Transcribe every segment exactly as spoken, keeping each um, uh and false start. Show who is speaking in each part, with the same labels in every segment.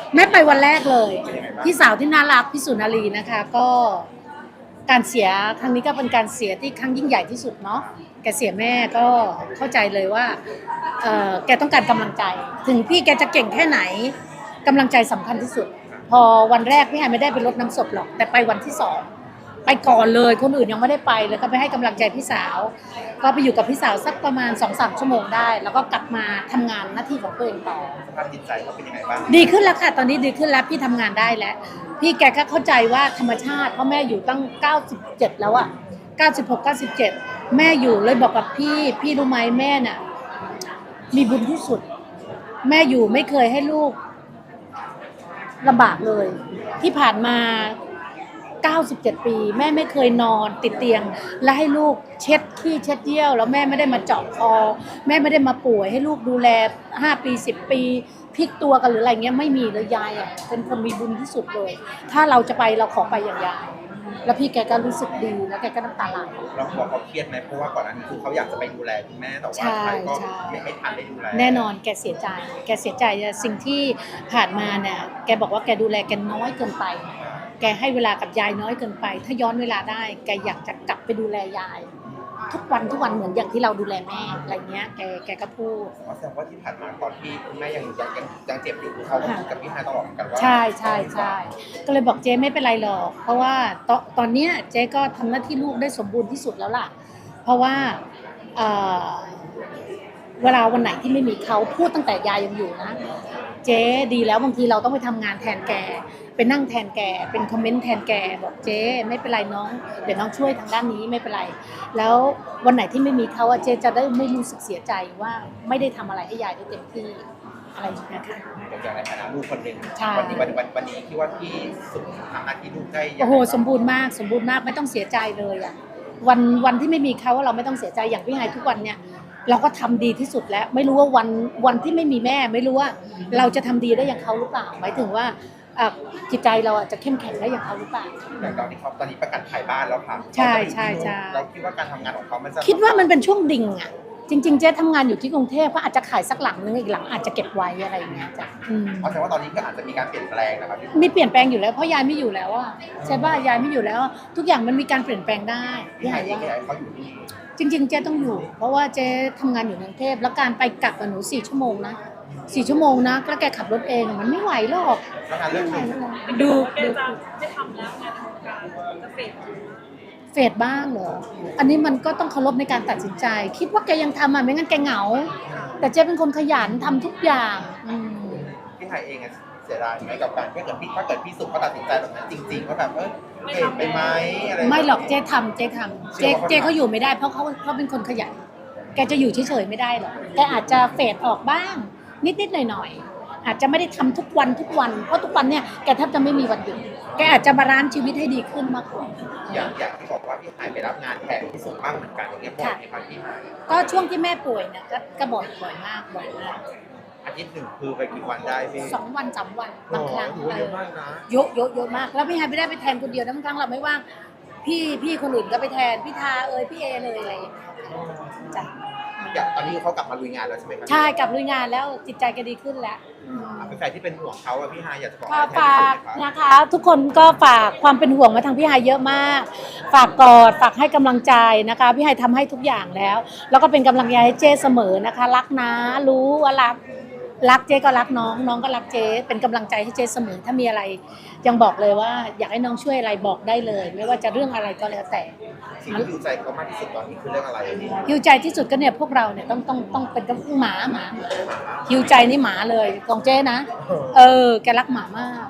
Speaker 1: แม่ไปวันแรกเลยพี่สาวที่น่ารักพี่สุนารีนะคะก็การเสียครั้งนี้ก็เป็นการเสียที่ครั้งยิ่งใหญ่ที่สุดเนาะแกเสียแม่ก็เข้าใจเลยว่าเออแกต้องการกำลังใจถึงพี่แกจะเก่งแค่ไหนกำลังใจสำคัญที่สุดพอวันแรกพี่ไฮไม่ได้ไปรดน้ำศพหรอกแต่ไปวันที่สองไปก่อนเลยคนอื่นยังไม่ได้ไปเลยก็ไปให้กำลังใจพี่สาวก็ไปอยู่กับพี่สาวสักประมาณ สองถึงสาม ชั่วโมงได้แล้วก็กลับมาทำงานหน้าที่ของตัวเองต่อ
Speaker 2: สภาพจิตใจเขาเป็นยังไงบ้าง
Speaker 1: ดีขึ้นแล้วค่ะตอนนี้ดีขึ้นแล้วพี่ทำงานได้แล้วพี่แกก็เข้าใจว่าธรรมชาติเพราะแม่อยู่ตั้งเก้าสิบเจ็ดแล้วอะเก้าสิบหก เก้าสิบเจ็ดแม่อยู่เลยบอกกับพี่พี่รู้ไหมแม่น่ะมีบุญที่สุดแม่อยู่ไม่เคยให้ลูกลำบากเลยที่ผ่านมาเก้าสิบเจ็ดปีแม่ไม่เคยนอนติดเตียงและให้ลูกเช็ดขี้เช็ดเยี่ยวแล้วแม่ไม่ได้มาเจาะคอแม่ไม่ได้มาป่วยให้ลูกดูแลห้าปีสิบปีพลิกตัวกันหรืออะไรเงี้ยไม่มีเลยยายอ่ะเป็นคนมีบุญที่สุดเลยถ้าเราจะไปเราขอไปอย่างยายแล้วพี่แกก็รู้สึกดีแล้วแกก็น้ำตาไหล
Speaker 2: เราบอกเขาเครียดไหมเพราะว่าก่อนหน้านี้คือเขาอยากจะไปดูแลคุณแม่แต่ว่าใครก็ไม่ไม่ทันได้ดูแล
Speaker 1: แน่นอนแกเสียใจแกเสียใจสิ่งที่ผ่านมาเนี่ยแกบอกว่าแกดูแลแกน้อยเกินไปแกให้เวลากับยายน้อยเกินไปถ้าย้อนเวลาได้แกอยากจะกลับไปดูแลยายทุกวันทุกวันเหมือนอย่างที่เราดูแลแม่อะไรเงี้ยแกแกก็พูด
Speaker 2: แสดงว่าที่ผ่านมาตอนที่คุณแม่ยังยังยังยังเจ็บอยู่เขาก็พูดกับพี่ฮายตลอดเหมือนกันว่า
Speaker 1: ใช่ใช่ใช่ก็เลยบอกเจ๊ไม่เป็นไรหรอกเพราะว่าตอนตอนเนี้ยเจ๊ก็ทำหน้าที่ลูกได้สมบูรณ์ที่สุดแล้วล่ะเพราะว่าเอ่อเวลาวันไหนที่ไม่มีเขาพูดตั้งแต่ยายยังอยู่นะเจ๊ดีแล้วบางทีเราต้องไปทำงานแทนแกไปนั่งแทนแกเป็นคอมเมนต์แทนแกบอกเจ๊ไม่เป็นไรน้องเดี๋ยวน้องช่วยทางด้านนี้ไม่เป็นไรแล้ววันไหนที่ไม่มีเขาเจ๊จะได้ไม่รู้สึกเสียใจว่าไม่ได้ทำอะไรให้ยายได้เต็มที่อะไรอย่างเงี้ยค่ะ
Speaker 2: อย่างในฐานะลูกคนหนึ่งวันนี้วันวันวันนี้คิดว่าพี่สุดทำหน้าที่ลูกได้
Speaker 1: โอ้โหสมบูรณ์มากสมบูรณ์มากไม่ต้องเสียใจเลยอ่ะวันวันที่ไม่มีเขาเราไม่ต้องเสียใจอย่างพี่ไฮทุกวันเนี่ยเราก็ทำดีที่สุดแล้วไม่รู้ว่าวันวันที่ไม่มีแม่ไม่รู้ว่าเราจะทำดีได้อย่างเขาหรือเปล่าหมายถึงว่าจิตใจเราจะเข้มแข็งได้อย่างเขาหรือเปล่า
Speaker 2: อย่างตอนนี้เขาตอนนี้ประกาศขายบ้านแล้วค่ะ
Speaker 1: ใช่ใช่ใช่
Speaker 2: เราคิดว่าการทำงานของเขามันจะ
Speaker 1: คิดว่ามันเป็นช่วงดิ่งอ่ะจริงๆเจ๊ทำงานอยู่ที่กรุงเทพก็อาจจะขายสักหลังนึงอีกหลังอาจจะเก็บไว้อะไรอย่างเงี้ยจ้ะ
Speaker 2: เพราะฉะนั้นว่าตอนนี้ก็อาจจะมีการเปลี่ยนแปลงนะครับ
Speaker 1: มีเปลี่ยนแปลงอยู่แล้วเพราะยายไม่อยู่แล้วอ่ะใช่ป่ะยายไม่อยู่แล้วทุกอย่างมันมีการเปลี่ยนแปลงได้
Speaker 2: พี่ไฮว่าเขาอยู่นี่
Speaker 1: จริงๆเจ๊ต้องอยู่เพราะว่าเจ๊ทำงานอยู่ในกรุงเทพแล้วการไปกลับกับหนูสี่ชั่วโมงนะสี่ชั่วโมงนะแล้วแกขับรถเองมันไม่ไหวหรอก
Speaker 2: ไม่ไหว
Speaker 1: ดู
Speaker 3: ดูจะทำแล้วงานทำการจะเฟด
Speaker 1: เฟดบ้างเหรออันนี้มันก็ต้องเคารพในการตัดสินใจคิดว่าแกยังทำอ่ะไม่งั้นแกเหงาแต่เจ๊เป็นคนขยันทำทุกอย่าง
Speaker 2: พี่ไฮเองเสียดายไหมกับการถ้าเกิดพี่ถ้าเกิดพี่สุเขาตัดสินใจแบบนั้นจริงๆว่าแบบเออเปลี่ยนไปไหมอะไร
Speaker 1: ไม่หรอกเจ๊ทำเจ๊ทำเจ๊เจ๊เขาอยู่ไม่ได้เพราะเขาเขาเป็นคนขยันแกจะอยู่เฉยๆไม่ได้หรอกแกอาจจะเฟดออกบ้างนิดๆหน่อยๆอาจจะไม่ได้ทำทุกวันทุกวันเพราะทุกวันเนี่ยแกแทบจะไม่มีวันหยุดแกอาจจะบาลานซ์ชีวิตให้ดีขึ้นมากกว่า
Speaker 2: อย่างอย่างที่บอกว่าพี่ไฮไปรับงานแทนพี่สุบ้างเหมือนกันอย่างเงี้ยบ่อยไหมครับพี่ไฮ
Speaker 1: ก็ช่วงที่แม่ป่วยเนี่ยก็บ่อยบ่อยมากบ่อยมาก
Speaker 2: อาทิตย์หนึ่งคือไปกี่วันได้พี่
Speaker 1: สองวันสามวันบางครั้ง
Speaker 2: เยอะมากนะ
Speaker 1: เยอะเยอะเยอะมากแล้วพี่ไฮไม่ได้ไปแทนคนเดียวนะบางครั้งเราไม่ว่างพี่พี่คนอื่นก็ไปแทนพี่ทาเอ่ยพี่เอเลยอะไรอย่างเงี้ยจ้ะ
Speaker 2: อย่างตอนนี้เขากลับมาลุยงานแล้วใช่ไหมครับ
Speaker 1: ใช่กลับลุยงานแล้วจิตใจก็ดีขึ้นแล้ว
Speaker 2: เป็นแฟนที่เป็นห่วงเขาอะพี่ไฮอยากจะบอก
Speaker 1: ฝากนะคะทุกคนก็ฝากความเป็นห่วงมาทางพี่ไฮเยอะมากฝากกอดฝากให้กำลังใจนะคะพี่ไฮทำให้ทุกอย่างแล้วแล้วก็เป็นกำลังใจให้เจ้เสมอนะคะรักนะรู้ว่ารักรักเจ๊ก็รักน้องน้องก็รักเจ๊เป็นกำลังใจให้เจ๊เสมอถ้ามีอะไรยังบอกเลยว่าอยากให้น้องช่วยอะไรบอกได้เลยไม่ว่าจะเรื่องอะไรก็แล้วแต่
Speaker 2: สิ่งที่ฮิวใจเขามากที่สุดตอนนี้คือเรื่องอะไร
Speaker 1: ฮิวใจที่สุดก็เนี่ยพวกเราเนี่ยต้องต้องต้องเป็นกับหมาหมาฮิวใจนี่หมาเลยของเจ๊นะเออแกรักหมามาก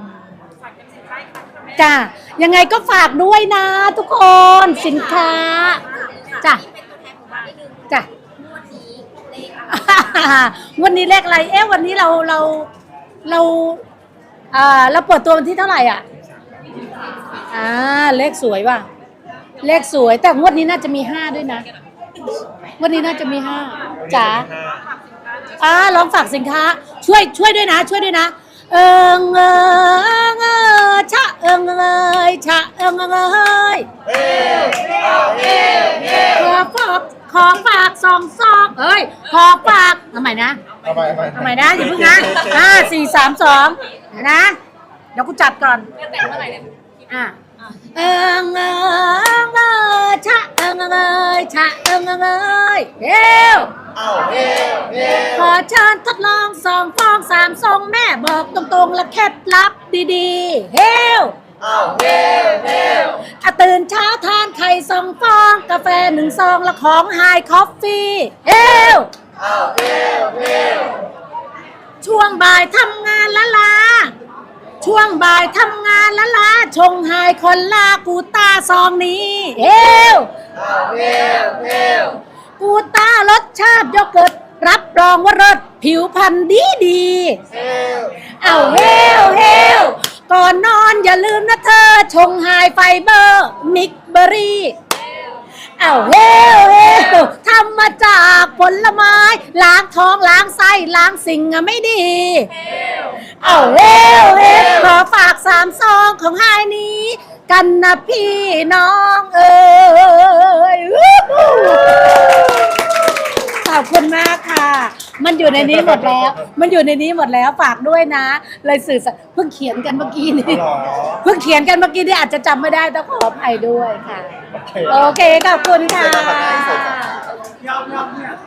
Speaker 1: จ้ะยังไงก็ฝากด้วยนะทุกคนสินค้าจ้ะจ้ะวันนี้เลขอะไรเอ๊ะวันนี้เราเราเราอ่าเราเปิดตัววันที่เท่าไหร่อ่ะอ่าเลขสวยว่ะเลขสวยแต่งวดนี้น่าจะมีห้าด้วยนะงวดนี้น่าจะมีห้าจ๋าอ่าลองฝากสินค้าช่วยช่วยด้วยนะช่วยด้วยนะเอิงเอิงเออชะเอิงเอยชะเอิงเอยขอฝากขขอฝากสองซองเอ้ยขอฝากทำไมนะ
Speaker 2: ทำไมทำไม
Speaker 1: ทำไมนะอย่าเพิ่งนะห้าสี่สามสองนะเดี๋ยวกูจัดก่อน
Speaker 3: จะแต่งเมื่อไหร่เนี่ย
Speaker 1: อ่ะเอิงเอิงเอยชะเอิงเอยชะเอิงเอยเฮ้ว
Speaker 2: อ้าวเฮ้เฮ้
Speaker 1: ขอเชิญทดลองสองฟองสามซองแม่บอกตรงๆและเคล็ดลับดีๆเฮ้ว
Speaker 2: อ้าวเฮ้เฮ้
Speaker 1: ถ้าตื่นเช้าทานไข่สองฟองกาแฟหนึ่งซองและของไฮคอฟฟี่เฮ้ว
Speaker 2: อ้าวเฮ้เฮ้
Speaker 1: ช่วงบ่ายทำงานละลาช่วงบ่ายทำงานละลาชงไฮคอนลากูต้าซองนี้เฮ้ว
Speaker 2: อ้าวเฮ้เฮ้
Speaker 1: กูต้ารสชาติโยเกิร์ตรับรองว่าเลิศผิวพรรณดีดีๆ
Speaker 2: เฮ้
Speaker 1: เอาเฮลเฮลก่อนนอนอย่าลืมนะเธอ ชงไฮไฟเบอร์มิกเบอรี่เอาเฮลเฮลทำมาจากผลไม้ ล้างท้องล้างไส้ล้างสิ่งไม่ดีเอาเฮลเฮลขอฝากสามซองของไฮนี้ กันนะพี่น้องเอ้ยขอบคุณมากค่ะ มันอยู่ในนี้หมดแล้ว มันอยู่ในนี้หมดแล้วฝากด้วยนะ เลยสื่อสารเพิ่งเขียนกันเมื่อกี้นี้
Speaker 2: หรอ
Speaker 1: เพิ่งเขียนกันเมื่อกี้นี่อาจจะจำไม่ได้ต้องขออภัยด้วยค่ะ
Speaker 2: โอเค
Speaker 1: โอเคขอบคุณค่ะ
Speaker 2: เสร็จแล้วค่ะ
Speaker 3: ยอมยอมเนี่ย